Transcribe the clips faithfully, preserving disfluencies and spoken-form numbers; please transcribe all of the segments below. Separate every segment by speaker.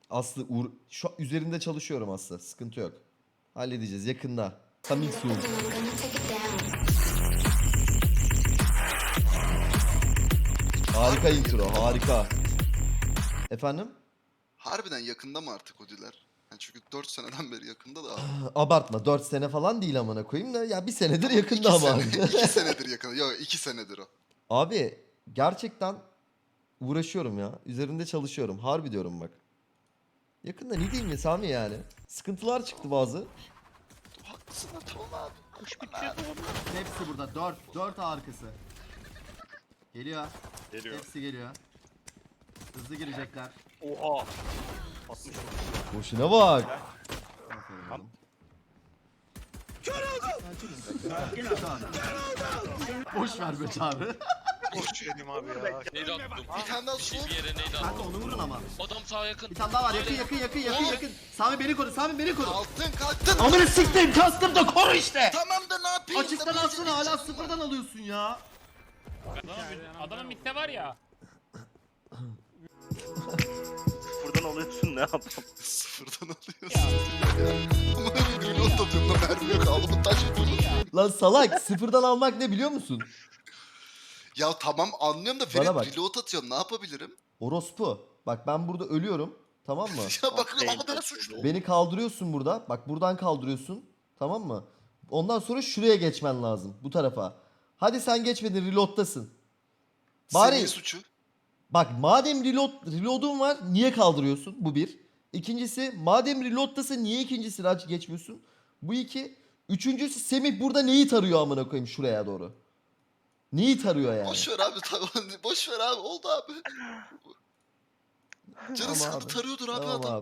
Speaker 1: Aslı uğra- şu üzerinde çalışıyorum Aslı. Sıkıntı yok. Halledeceğiz yakında. Coming soon. Harika intro, harika. Efendim?
Speaker 2: Harbiden yakında mı artık o diler? Yani çünkü dört seneden beri yakında da abi.
Speaker 1: Abartma, dört sene falan değil amına koyayım da ya bir senedir
Speaker 2: Tamam,
Speaker 1: yakında
Speaker 2: iki
Speaker 1: ama abi.
Speaker 2: sene, iki senedir yakında. Yok iki senedir o.
Speaker 1: Abi gerçekten uğraşıyorum ya. Üzerinde çalışıyorum. Harbi diyorum bak. Yakında ne diyeyim ya Sami yani. Sıkıntılar çıktı bazı.
Speaker 2: Haklısın da tamam abi.
Speaker 3: Kuş bitiyor bu.
Speaker 4: Hepsi burada. Dört. Dört arkası. Geliyor.
Speaker 3: Geliyor.
Speaker 4: Hepsi geliyor. Hızlı girecekler.
Speaker 3: Oha. altmış.
Speaker 1: Boşuna bak.
Speaker 4: Aferin oğlum. Boş ver be çağrı.
Speaker 3: Boş verim abi ya.
Speaker 5: Neydi attım?
Speaker 2: Bir tane daha
Speaker 5: Bir şey
Speaker 2: sol.
Speaker 5: bir yere neydi
Speaker 4: Kanka
Speaker 5: attım?
Speaker 4: onu vurun ama.
Speaker 5: Adam sağa yakın.
Speaker 4: Bir tane daha var. Yakın yakın yakın yakın yakın. Sami beni koru. Sami beni koru.
Speaker 2: Kalktın kalktın.
Speaker 4: Amına siktir. Kastım da koru işte.
Speaker 2: Tamam da ne yapayım?
Speaker 4: Açıktan
Speaker 2: Da
Speaker 4: alsana hala
Speaker 2: böyle
Speaker 4: sıfırdan alıyorsun ya.
Speaker 6: Adamın, adamın mitte var ya.
Speaker 3: Buradan alıyorsun ne yapalım?
Speaker 2: Sıfırdan alıyorsun. Ama öyle reload atıyorum da mermi yok. Alımın taş reload.
Speaker 1: Lan salak sıfırdan almak ne biliyor musun?
Speaker 2: Ya tamam anlıyorum da
Speaker 1: Bana
Speaker 2: Ferit
Speaker 1: bak.
Speaker 2: reload atıyorum. Ne yapabilirim?
Speaker 1: Orospu. Bak ben burada ölüyorum. Tamam mı?
Speaker 2: Ya bak ama ben suçlu.
Speaker 1: Beni kaldırıyorsun burada. Bak buradan kaldırıyorsun. Tamam mı? Ondan sonra şuraya geçmen lazım. Bu tarafa. Hadi sen geçmedin reload'tasın. Bari-
Speaker 2: Senin suçu.
Speaker 1: Bak madem reload, reload'un var niye kaldırıyorsun? Bu bir. İkincisi madem reload'tasın niye ikincisini aç geçmiyorsun? Bu iki. Üçüncüsü Semih burada neyi tarıyor amına koyayım şuraya doğru. Neyi tarıyor yani?
Speaker 2: Boş ver abi tamam. Boş ver abi. Oldu abi. Canı
Speaker 1: Tamam
Speaker 2: sıkıldı
Speaker 1: abi.
Speaker 2: tarıyordur abi
Speaker 1: Tamam
Speaker 2: adam.
Speaker 1: abi.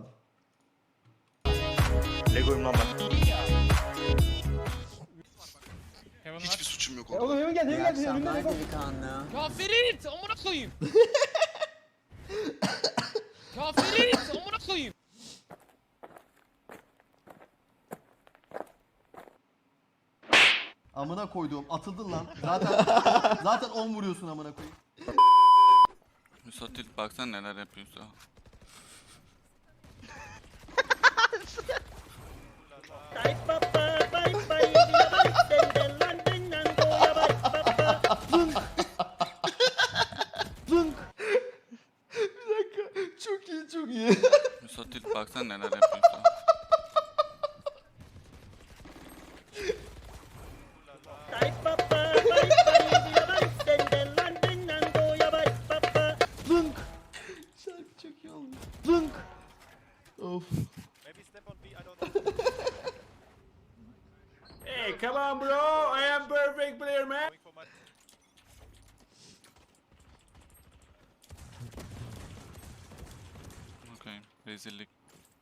Speaker 3: Lego'yum lan ben.
Speaker 6: Heaven
Speaker 2: Hiçbir
Speaker 6: var.
Speaker 2: suçum yok
Speaker 7: E
Speaker 2: orada.
Speaker 7: oğlum hemen geldi,
Speaker 8: İyi
Speaker 7: hemen geldi. Önümde
Speaker 8: akşamlar
Speaker 7: ne
Speaker 8: delikanlı.
Speaker 6: Ya Ferit amına koyayım. Ya Ferit amına koyayım.
Speaker 4: Amına koyduğum atıldın lan. Zaten zaten on vuruyorsun amına koyayım.
Speaker 9: Müsatil baksana neler yapıyorsa.
Speaker 1: Bir dakika. Çok iyi çok iyi.
Speaker 9: Müsatil baksana neler yapıyorsa.
Speaker 1: Şarkı çok iyi olmuş. Zınk. Of.
Speaker 7: Hey, come on bro, I am perfect player man.
Speaker 9: Okey, rezillik.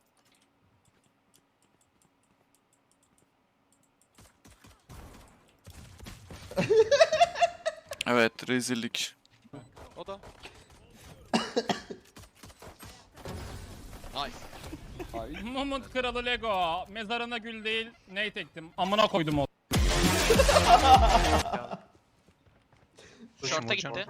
Speaker 9: Evet, rezillik.
Speaker 5: O da. Nice.
Speaker 6: Mumut kralı Lego. Mezarına gül değil ney tektim. Amına koydum o.
Speaker 5: Şorta gitti.
Speaker 2: Ya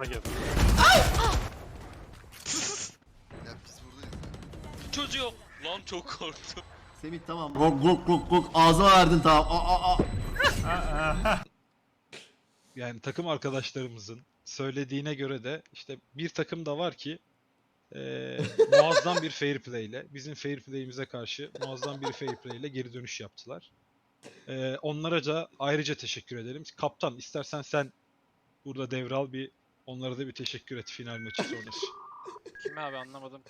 Speaker 2: biz buradayız.
Speaker 5: Çocuğu. Lan çok korktum.
Speaker 4: Semih tamam. Gok gok gok gok ağzıma verdin tamam. Aa aa aa.
Speaker 10: Yani takım arkadaşlarımızın söylediğine göre de işte bir takım da var ki eee, muazzam bir fair play ile bizim fair play'imize karşı muazzam bir fair play ile geri dönüş yaptılar. Eee, onlara da ayrıca teşekkür edelim. Kaptan istersen sen burada devral bir onlara da bir teşekkür et final maçı sonrası.
Speaker 5: Kime abi anlamadım.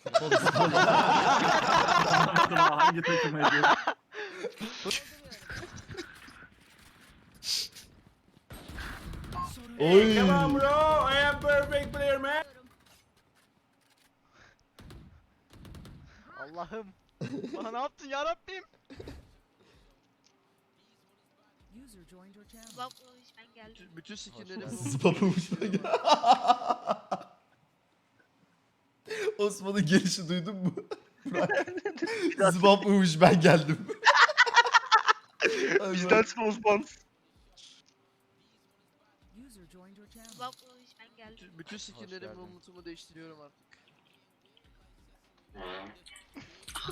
Speaker 7: Hangi takım ediyor?
Speaker 1: Oy.
Speaker 7: Come on bro, I am perfect player man.
Speaker 3: Allah'ım. Bana ne yaptın ya Rabbim?
Speaker 8: Bak ben geldim.
Speaker 3: Bütün skinlerim
Speaker 1: Zıplamış. Osman'ın gelişi duydun mu? Zıbap uymuş ben geldim.
Speaker 3: bizden sponsor.
Speaker 8: Bak ben geldim.
Speaker 3: Bütün skinlerim umutumu değiştiriyorum artık.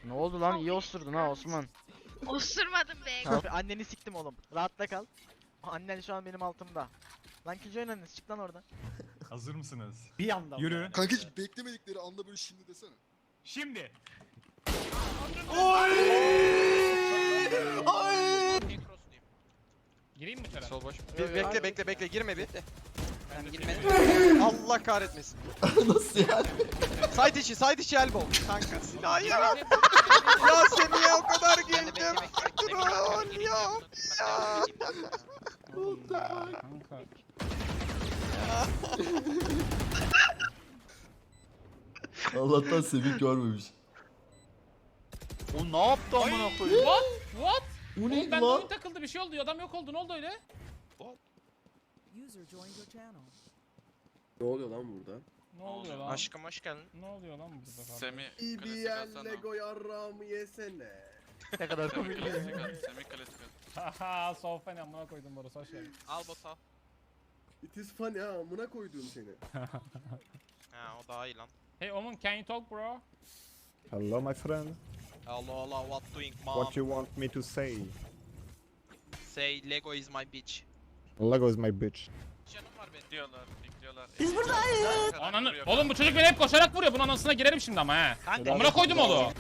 Speaker 3: Ne oldu lan? İyi osurdun ha Osman.
Speaker 8: Osurmadım be.
Speaker 3: Abi anneni siktim oğlum. Rahatta kal. Annen şu an benim altımda. Lan Killjoy oynadınız. Çık lan oradan.
Speaker 6: Hazır mısınız?
Speaker 7: Bir anda.
Speaker 6: Yürü.
Speaker 2: Kanka hiç beklemedikleri anda böyle şimdi desene.
Speaker 6: Şimdi. Gireyim mi içeri?
Speaker 5: Sol boş.
Speaker 3: Bir bekle bekle bekle girme bir.
Speaker 5: Ben girmedim.
Speaker 3: Allah kahretmesin.
Speaker 1: Nasıl yani?
Speaker 3: Side içi side içi elbow. Kanka silah ya. Ya Semih'e o kadar girdim. Troll ya. Ya.
Speaker 6: Kanka.
Speaker 1: Allah'tan Semih görmemiş.
Speaker 5: O ne yaptı amına koyayım?
Speaker 6: What? What?
Speaker 1: Bu
Speaker 6: Oğlum
Speaker 1: neydi
Speaker 6: ben
Speaker 1: lan?
Speaker 6: oyun takıldı bir şey oldu. Adam yok oldu. Ne oldu öyle?
Speaker 4: Ne oluyor lan burada?
Speaker 6: Ne oluyor lan?
Speaker 3: Aşkım hoş geldin.
Speaker 6: Ne oluyor lan burada?
Speaker 9: Semi
Speaker 4: İyi bir
Speaker 9: klasik
Speaker 4: yer
Speaker 9: atsana.
Speaker 4: Lego yarrağımı yesene.
Speaker 3: Ne kadar
Speaker 9: Semi
Speaker 3: komik.
Speaker 9: klasik at. Semi klasik at.
Speaker 6: Haha sofa ne amına koydum burası hoş geldin.
Speaker 5: Al bota.
Speaker 4: It is funny ha amına koyduğum seni.
Speaker 5: Ha o daha iyi lan.
Speaker 6: Hey Omun, can you talk bro?
Speaker 7: Hello my friend.
Speaker 5: Allah Allah what doing mom?
Speaker 7: What you want me to say?
Speaker 5: Say Lego is my bitch.
Speaker 7: Lego is my bitch.
Speaker 5: Canım var benim.
Speaker 9: Bekliyorlar, bekliyorlar.
Speaker 5: Biz buradayız.
Speaker 6: Ananı... Oğlum bu çocuk beni hep koşarak vuruyor. Bunun anasına girerim şimdi ama he.
Speaker 5: Kanka.
Speaker 6: Amına koydum onu.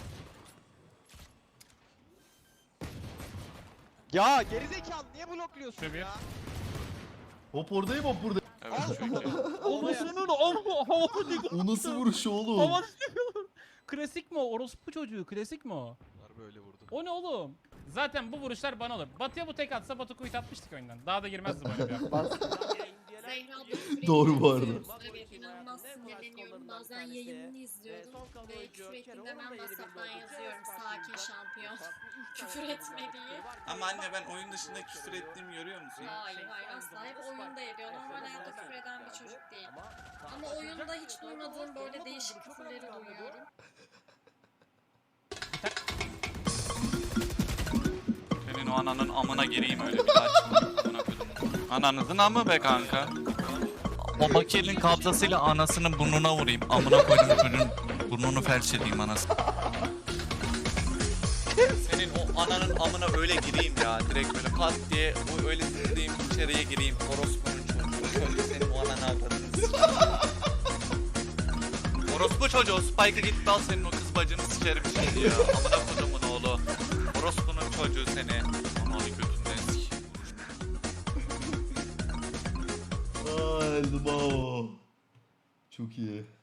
Speaker 3: Ya gerizekalı niye blokluyorsun
Speaker 6: Tabii.
Speaker 3: ya?
Speaker 1: Hop oradayım hop burada.
Speaker 9: Evet çok iyi.
Speaker 6: Anasının havası değil.
Speaker 1: O nasıl vuruş oğlum?
Speaker 6: Havası değil. Klasik mi o? Orospu çocuğu klasik mi o?
Speaker 9: Böyle vurdu.
Speaker 6: O ne oğlum? Zaten bu vuruşlar bana olur. Batı'ya bu tek atsa Batı kuyut atmıştık oyundan. Daha da girmezdi bu oyuna.
Speaker 1: Doğru bu arada.
Speaker 8: Evet, inanılmaz sinirleniyorum. Bazen yayınını izliyordum ve küfür ettiğinde ben WhatsApp'tan yazıyorum. Sakin şampiyon. Küfür etme diye.
Speaker 9: Ama anne ben oyun dışında küfür ettiğimi görüyor musun?
Speaker 8: Hayır hayır asla hep oyunda ediyor. Normal hayatta küfür eden bir çocuk değil. Ama oyunda hiç duymadığım böyle değişik küfürleri duyuyorum.
Speaker 9: Senin o ananın amına gireyim öyle bir daha çıkma. Amına koydum. Ananızın amı be kanka. O makinenin kabzasıyla anasının burnuna vurayım. Amına koydum çocuğun burnunu felç edeyim anası. Senin o ananın amına öyle gireyim ya. Direkt böyle pat diye o öyle gireyim içeriye gireyim. Orospunun çocuğu. Şöyle senin o ananı avradını sikeyim. Orospu çocuğu Spike'ı git dal senin o kız bacını sikerim şimdi ya. Amına kodumun oğlu. Orospunun çocuğu seni. Amalı götünden sik.
Speaker 1: Ay, Elmo. Çok iyi.